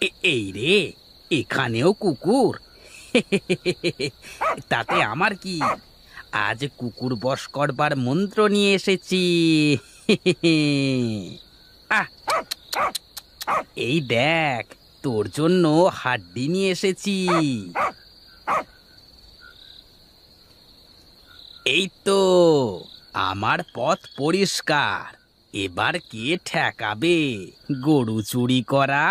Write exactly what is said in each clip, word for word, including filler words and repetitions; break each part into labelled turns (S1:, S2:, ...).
S1: এ- এই রে, এখানেও কুকুর! তাতে আমার কি? আজ কুকুর বশ করবার মন্ত্র নিয়ে এসেছি। আহ, এই দেখ, তোর জন্য হাড্ডি নিয়ে এসেছি। এই তো, আমার পথ পরিষ্কার। এবার কে ঠেকাবে গরু চুরি করা?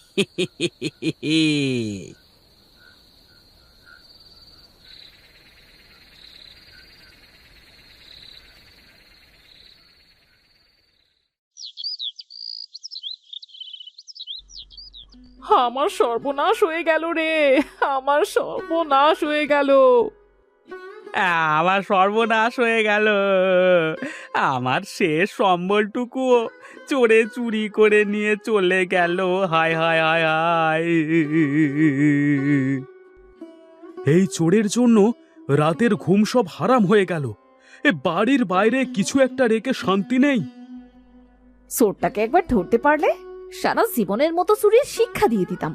S2: আমার সর্বনাশ হয়ে গেল রে। আমার সর্বনাশ হয়ে গেল।
S1: আমার সর্বনাশ হয়ে গেল। আমার শেষ সম্বলটুকুও চোরে চুরি করে নিয়ে চলে গেল। হায় হায় হায় হায়!
S3: এই চোরের জন্য রাতের ঘুম সব হারাম হয়ে গেল। এ বাড়ির বাইরে কিছু একটা রেখে শান্তি নেই।
S4: চোরটাকে একবার ধরতে পারলে সারা জীবনের মতো চুরির শিক্ষা দিয়ে দিতাম।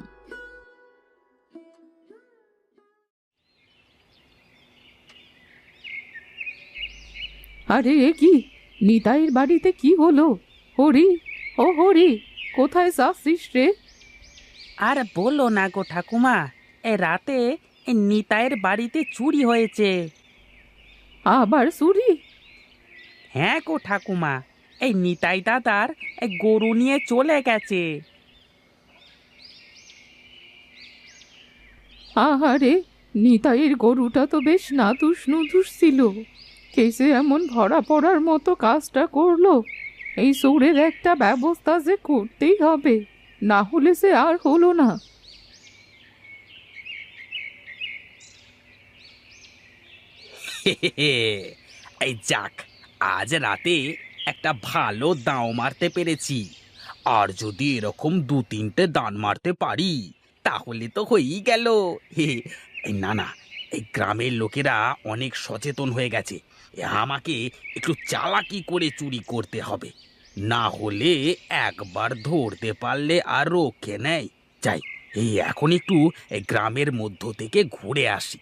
S2: আরে এ কি, নিতাইয়ের বাড়িতে কি হলো? হরি, ও হরি, কোথায় যাচ্ছিস রে?
S1: আর বলো না গো ঠাকুমা, এ রাতে এ নিতাইয়ের বাড়িতে চুরি হয়েছে।
S2: আবার চুরি?
S1: হ্যাঁ গো ঠাকুমা, এই নিতাই দাদার এই গরু নিয়ে চলে গেছে।
S2: আহারে, নিতাইয়ের গরুটা তো বেশ নাদুস নুদুস ছিল। কেসে এমন ভরা পড়ার মতো কাজটা করলো। এই চোরের একটা ব্যবস্থা যে করতেই হবে, না হলে সে আর হলো না।
S1: এই যাক, আজ রাতে একটা ভালো দাঁও মারতে পেরেছি। আর যদি এরকম দু তিনটে দান মারতে পারি তাহলে তো হয়েই গেল। হে, এই না না, এই গ্রামের লোকেরা অনেক সচেতন হয়ে গেছে। এ আমাকে একটু চালাকি করে চুরি করতে হবে, না হলে একবার ধরতে পারলে আর রক্ষে নেয়। যাই, এই এখন একটু এই গ্রামের মধ্য থেকে ঘুরে আসি।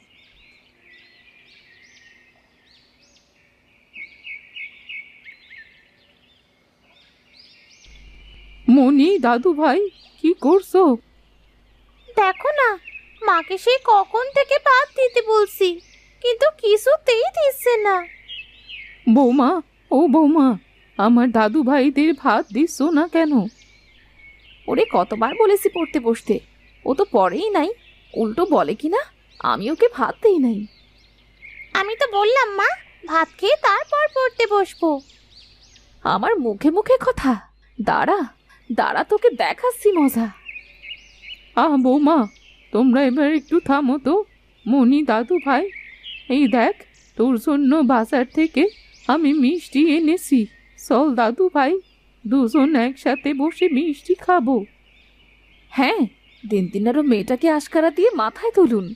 S2: মনি, দাদু ভাই, কি করছো?
S5: দেখো না, মাকে সেই কখন থেকে ভাত দিতে বলছি, কিন্তু কিছুতেই দিচ্ছে না।
S2: বৌমা, ও বৌমা, আমার দাদু ভাইদের ভাত দিচ্ছ না কেন?
S4: ওরে কতবার বলেছি পড়তে বসতে, ও তো পড়েই নাই। উল্টো বলে কিনা আমি ওকে ভাত দেই নাই।
S5: আমি তো বললাম মা, ভাত খেয়ে তারপর পড়তে বসবো।
S4: আমার মুখে মুখে কথা। দাঁড়া দাঁড়া, তোকে দেখাচ্ছি মজা।
S2: আহ বৌমা, তোমরা এবার একটু থামো তো। মনি, দাদু ভাই, এই দেখ, তোর জন্য বাজার থেকে আমি মিষ্টি এনেছি। চল দাদু ভাই, দুজন একসাথে বসে মিষ্টি খাবো।
S4: হ্যাঁ, দিন দিন আরো মেয়েটাকে আশকারা দিয়ে মাথায় তুলুন।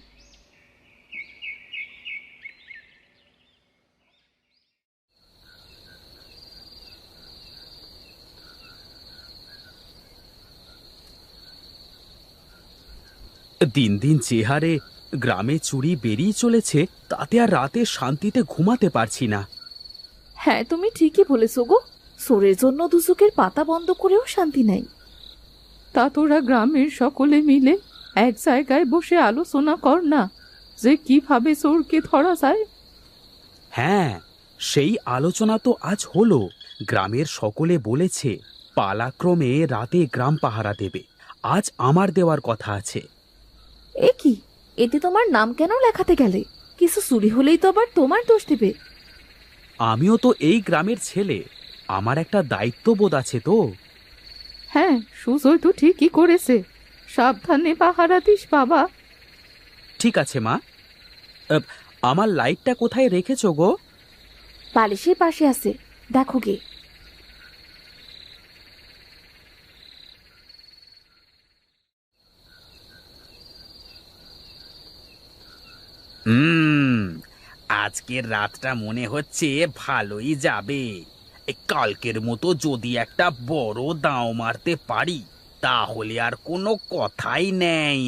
S3: দিন দিন যে হারে গ্রামে চুরি বেরিয়ে চলেছে, তাতে আর রাতে শান্তিতে ঘুমাতে পারছি না।
S4: হ্যাঁ, তুমি ঠিকই বলেছো গো। চোরের জন্য দুচোখের পাতা বন্ধ করেও শান্তি নাই।
S2: তা তোরা গ্রামের সকলে মিলে এক জায়গায় বসে আলোচনা কর না, যে কিভাবে চোরকে ধরা যায়।
S3: হ্যাঁ, সেই আলোচনা তো আজ হলো। গ্রামের সকলে বলেছে পালাক্রমে রাতে গ্রাম পাহারা দেবে। আজ আমার দেওয়ার কথা আছে।
S4: এ কি, এতে তোমার নাম কেন লেখাতে গেলে? কিছু চুরি হলেই তো আবার তোমার দোষ দেবে।
S3: আমিও তো এই গ্রামের ছেলে, আমার একটা দায়িত্ববোধ আছে তো।
S2: হ্যাঁ, সুজয় তো ঠিকই করেছে। সাবধানে পাহারা দিস বাবা।
S3: ঠিক আছে মা। আহ, আমার লাইটটা কোথায় রেখেছো গো?
S4: বালিশের পাশে আছে, দেখো গে।
S1: হুম, আজকের রাতটা মনে হচ্ছে ভালোই যাবে। এই কালকের মতো যদি একটা বড় দাঁও মারতে পারি তাহলে আর কোনো কথাই নেই।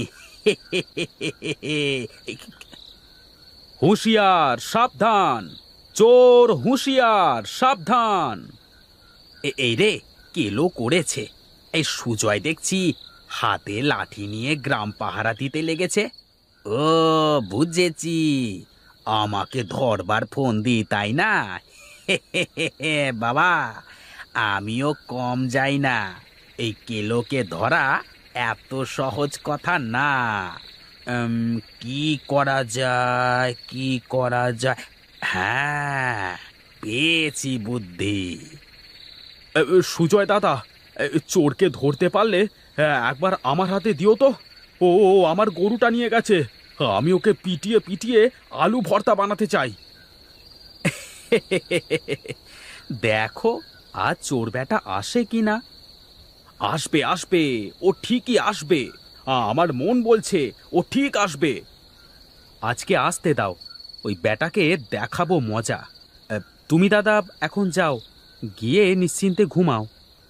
S3: হুঁশিয়ার সাবধান, চোর হুঁশিয়ার সাবধান।
S1: এ- এই রে, কেলো করেছে। এই সুজয় দেখছি হাতে লাঠি নিয়ে গ্রাম পাহারা দিতে লেগেছে। ও, বুঝেছি, আমাকে ধরবার ফোন দি, তাই না? বাবা, আমিও কম যাই না। এই কেলোকে ধরা এত সহজ কথা না। উম, কি করা যায়, কি করা যায়? হ্যাঁ, পেয়েছি বুদ্ধি।
S3: এ, এ, সুজয় দাদা, এ, চোরকে ধরতে পারলে এ, একবার আমার হাতে দিও তো। ও ও, আমার গরুটা নিয়ে গেছে, আমি ওকে পিটিয়ে পিটিয়ে আলু ভর্তা বানাতে চাই।
S1: দেখো আজ চোর বেটা আসে কিনা।
S3: আসবে আসবে, ও ঠিকই আসবে। আ, আমার মন বলছে ও ঠিক আসবে।
S1: আজকে আসতে দাও, ওই বেটাকে দেখাবো মজা। এ, তুমি দাদা এখন যাও, গিয়ে নিশ্চিন্তে ঘুমাও।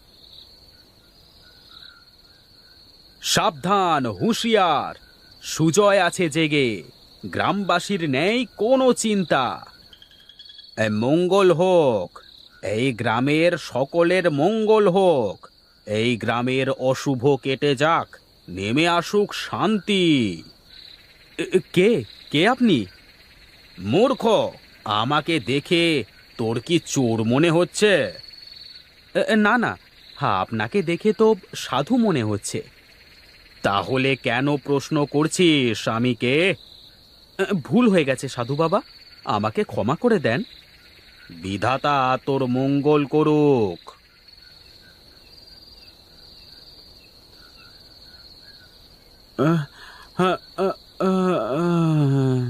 S3: সাবধান হুঁশিয়ার, সুজয় আছে জেগে, গ্রামবাসীর নেই কোনো চিন্তা।
S1: এ, মঙ্গল হোক, এই গ্রামের সকলের মঙ্গল হোক। এই গ্রামের অশুভ কেটে যাক, নেমে আসুক শান্তি।
S3: এ, এ, কে কে আপনি?
S1: মূর্খ, আমাকে দেখে তোর কি চোর মনে হচ্ছে?
S3: এ, এ, না না, হ্যাঁ, আপনাকে দেখে তো সাধু মনে হচ্ছে।
S1: তাহলে কেন প্রশ্ন করছিস স্বামীকে?
S3: এ, ভুল হয়ে গেছে সাধু বাবা, আমাকে ক্ষমা করে দেন।
S1: বিধাতা তোর মঙ্গল করুক।
S3: আহ, আহ, আহ, আহ, আহ।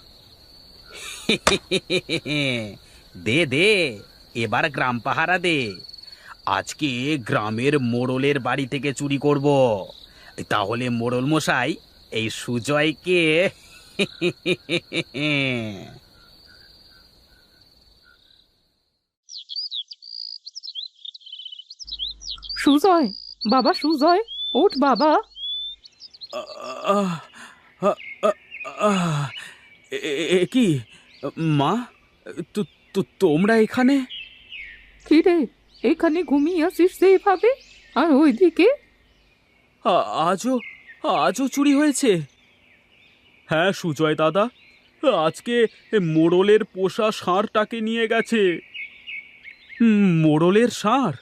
S1: দে দে, এবার গ্রাম পাহারা দে। আজকে গ্রামের মোড়লের বাড়ি থেকে চুরি করব। তাহলে মোড়ল মশাই এই সুজয়কে
S2: সুজয়, বাবা সুজয়, ওঠ বাবা।
S3: আহ, আহ, আহ, আহ, এ এ- এ কি মা, তো- তো- তোমরা এখানে?
S2: কি রে, এখানে ঘুমিয়ে আসিস সেইভাবে? আর ওইদিকে?
S3: আ- আজও আজও চুরি হয়েছে? হ্যাঁ সুজয় দাদা, আজকে মোড়লের পোষা ষাঁড়টাকে নিয়ে গেছে। হুম, মোড়লের ষাঁড়?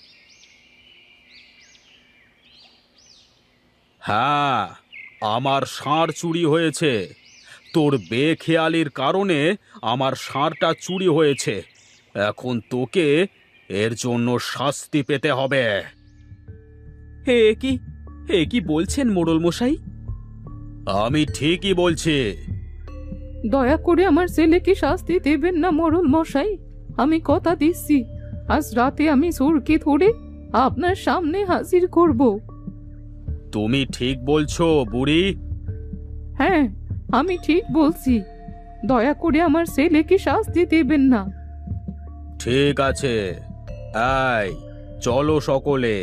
S1: হ্যাঁ, আমার ষাঁড় চুরি হয়েছে। তোর বেখেয়ালির কারণে আমার ষাঁড়টা চুরি হয়েছে। এখন তোকে এর জন্য শাস্তি পেতে হবে।
S3: হে কি এ কি বলছেন মোড়ল মশাই?
S1: আমি ঠিকই বলছি।
S2: দয়া করে আমার ছেলেকে শাস্তি দেবেন না মোড়ল মশাই। আমি কথা দিচ্ছি, আজ রাতে আমি চোরকে ধরে আপনার সামনে হাজির করব।
S1: তুমি ঠিক বলছো বুড়ি।
S2: হ্যাঁ, আমি ঠিক বলছি। দয়া করে আমার ছেলেকে শাস্তি দেবেন না।
S1: ঠিক আছে, এই চলো সকলে।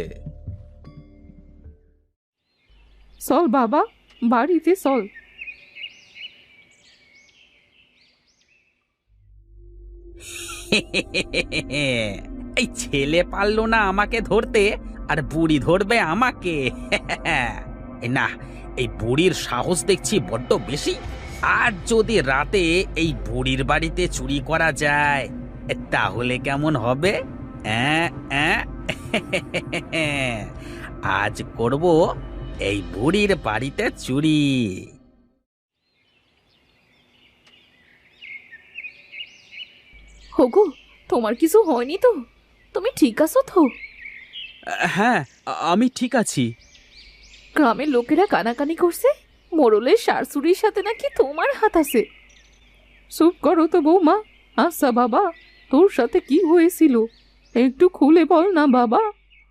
S2: চল বাবা, বাড়িতে চল।
S1: এই ছেলে পারলো না আমাকে ধরতে, আর বুড়ি ধরবে আমাকে? এই না, এই বুড়ির সাহস দেখছি বড্ড বেশি। আর যদি রাতে এই বুড়ির বাড়িতে চুরি করা যায় তাহলে কেমন হবে? অ্যাঁ, অ্যাঁ? আজ করব এই বুড়ির বাড়িতে চুরি।
S4: হগো, তোমার কিছু হয়নি তো? তুমি ঠিক আছো তো?
S3: হ্যাঁ, আ- আমি ঠিক আছি।
S4: গ্রামের লোকেরা কানাকানি করছে মোড়লের শাশুড়ির সাথে নাকি তোমার হাত আছে।
S2: চুপ করো তো বৌমা। আচ্ছা বাবা, তোর সাথে কি হয়েছিল একটু খুলে বল না বাবা।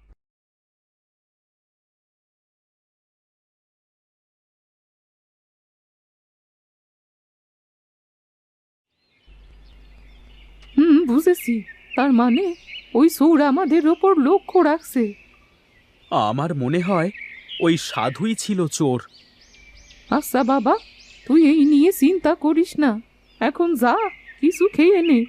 S2: হুম, বুঝেছি। তার মানে ওই চোর আমাদের ওপর লক্ষ্য রাখছে।
S3: আমার মনে হয় ওই সাধুই ছিল চোর।
S2: আচ্ছা বাবা, তুই এই নিয়ে চিন্তা করিস না, এখন যা কিছু খেয়ে নে।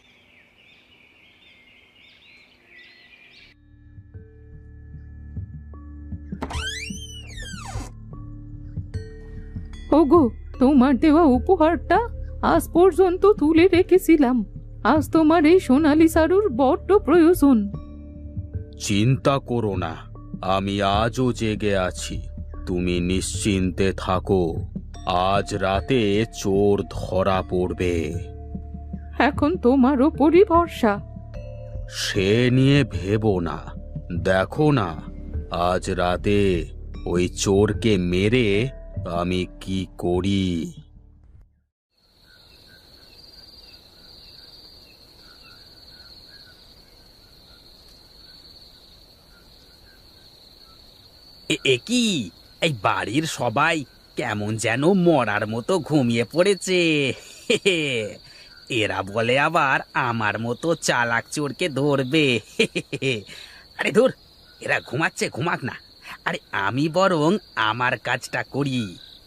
S2: ওগো, তোমার দেওয়া উপহারটা আজ পর্যন্ত তুলে রেখেছিলাম। আজ তোমার এই সোনালি সারুর বড্ড প্রয়োজন।
S3: চিন্তা করো না, আমি আজও জেগে আছি। তুমি নিশ্চিন্তে থাকো, আজ রাতে চোর ধরা পড়বে।
S2: এখন তোমার ওপরই ভরসা।
S3: সে নিয়ে ভেবো না, দেখো না আজ রাতে ওই চোরকে মেরে আমি কি করি।
S1: এ- এ কি, এই বাড়ির সবাই কেমন যেন মরার মতো ঘুমিয়ে পড়েছে। এরা বলে আবার আমার মতো চালাক চোরকে ধরবে। আরে ধুর, এরা ঘুমাচ্ছে, ঘুমাক না। আরে আমি বরং আমার কাজটা করি।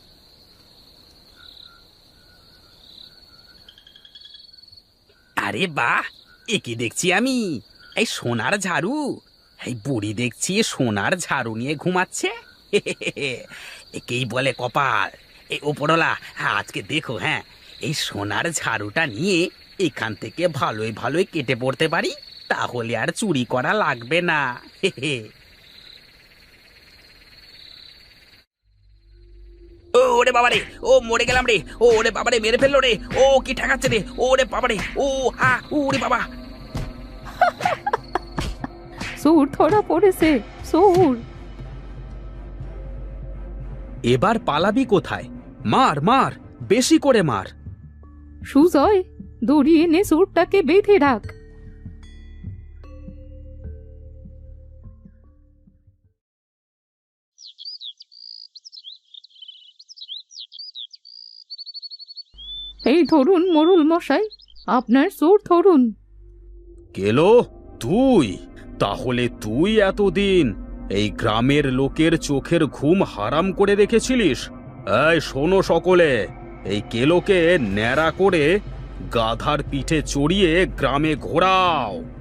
S1: আরে বাহ, এ কি দেখছি আমি? এই সোনার ঝাড়ু! এই বুড়ি দেখছি সোনার ঝাড়ু নিয়ে ঘুমাচ্ছে। একেই বলে কপাল। এই ওপরওয়ালা, হ্যাঁ আজকে দেখো, হ্যাঁ এই সোনার ঝাড়ুটা নিয়ে এখান থেকে ভালোই ভালোই কেটে পড়তে পারি, তাহলে আর চুরি করা লাগবে না। ও ওরে বাবারে, ও মরে গেলাম রে, ও ওরে বাবারে মেরে ফেললো রে, ও কি ঠেকাচ্ছে রে, ওরে বাবারে, ও আ ওরে বাবা।
S2: চোর ধরা পড়েছে, চোর।
S3: এবার পালাবি কোথায়? মার মার, বেশি করে মার।
S2: সুজয়, দড়ি এনে চোরটাকে বেঁধে রাখ। এই ধরুন মোড়ল মশাই, আপনার চোর ধরুন।
S3: গেলো তুই? তাহলে তুই এতদিন এই গ্রামের লোকের চোখের ঘুম হারাম করে রেখেছিলিস। এই শোনো সকলে, এই কেলোকে ন্যাড়া করে গাধার পিঠে চড়িয়ে গ্রামে ঘোরাও।